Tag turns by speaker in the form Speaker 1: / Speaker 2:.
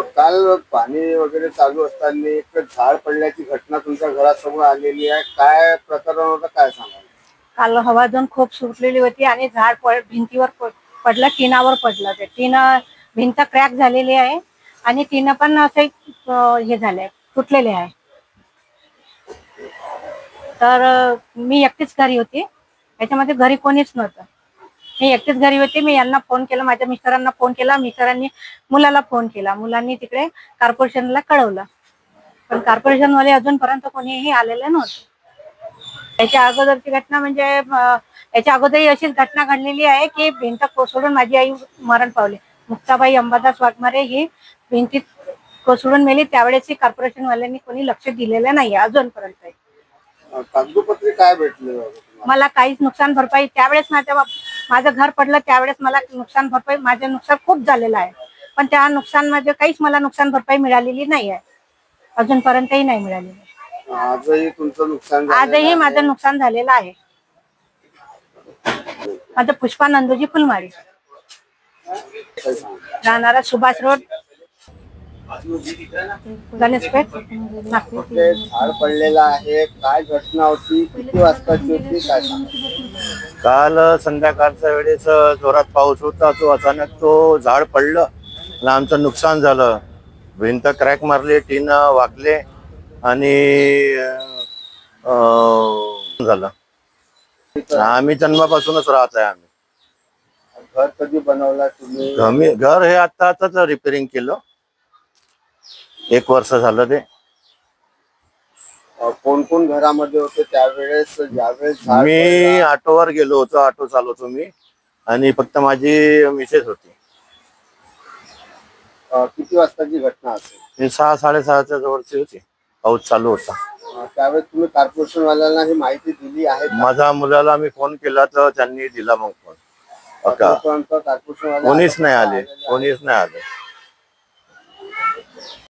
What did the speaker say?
Speaker 1: काल पाणी वगैरे चालू असताना एक झाड पडल्याची घटना तुमच्या घरासमोर आलेली आहे. काय प्रकरण होतं, काय सांगाल?
Speaker 2: काल हवाजन खूप सुटलेली होती आणि झाड भिंतीवर पडलं, टिनावर पडलं. ते भिंत क्रॅक झालेली आहे आणि टिन पण असे हे झाले, फुटलेले आहे. तर मी एकटीच घरी होती, त्याच्यामध्ये घरी कोणीच नव्हतं. मी एकटीच घरी होती. मी यांना फोन केला, माझ्या मिस्टरांना फोन केला, मिस्टरांनी मुलाला फोन केला, मुलांनी तिकडे कॉर्पोरेशनला कळवलं. पण कॉर्पोरेशनवाले अजूनपर्यंत कोणीही आलेले नव्हते. याच्या अगोदरची घटना म्हणजे याच्या अगोदरही अशीच घटना घडलेली आहे की भिंत कोसळून माझी आई मरण पावली. मुक्ताबाई अंबादास वाघमारे ही भिंतीत कोसळून मेली. त्यावेळेसही कॉर्पोरेशनवाल्यांनी कोणी लक्ष दिलेलं नाही अजूनपर्यंत.
Speaker 1: कागदोपत्री काय भेटलं?
Speaker 2: मला काहीच नुकसान भरपाई त्यावेळेस माझं घर पडलं त्यावेळेस मला नुकसान भरपाई, माझं नुकसान खूप झालेलं आहे, पण त्या नुकसानमध्ये काहीच मला नुकसान भरपाई मिळालेली नाही आहे, अजूनपर्यंतही नाही मिळालेली.
Speaker 1: आजही तुमचं नुकसान
Speaker 2: आजही माझं नुकसान झालेलं आहे. माझं पुष्पा नंदूजी फुलमाळी, राहणारा सुभाष रोड, गणेशपेठ, नागपूर.
Speaker 1: झाड पडलेलं आहे, काय घटना होती, किती वाजताची होती, काय सांगा?
Speaker 3: काल संध्याकाळच्या वेळेस जोरात पाऊस होता, तो अचानक तो झाड पडलं आणि आमचं नुकसान झालं. भिंत क्रॅक मारली, टीन वाकले आणि झालं. आम्ही जन्मापासूनच राहत आहे. आम्ही
Speaker 1: घर कधी बनवला तुम्ही?
Speaker 3: घर हे आताच रिपेअरिंग केलं, 1 वर्ष झालं. ते
Speaker 1: कोण कोण घरामध्ये होते त्यावेळेस, ज्यावेळेस झाड
Speaker 3: मी
Speaker 1: पडलं?
Speaker 3: ऑटोवर गेलो होतो, ऑटो चालवतो मी, आणि फक्त माझी मिसेस होती.
Speaker 1: किती वाजताची घटना असेल?
Speaker 3: हे 6-6:30च्या जवळची होती, पाऊस चालू होता.
Speaker 1: त्यावेळेस तुम्ही कॉर्पोरेशन वाल्यांना ही माहिती दिली आहे का?
Speaker 3: माझ्या मुलाला मी फोन केला तर त्यांनी दिला मग फोन.
Speaker 1: कॉर्पोरेशन वाले
Speaker 3: कोणीच नाही आले.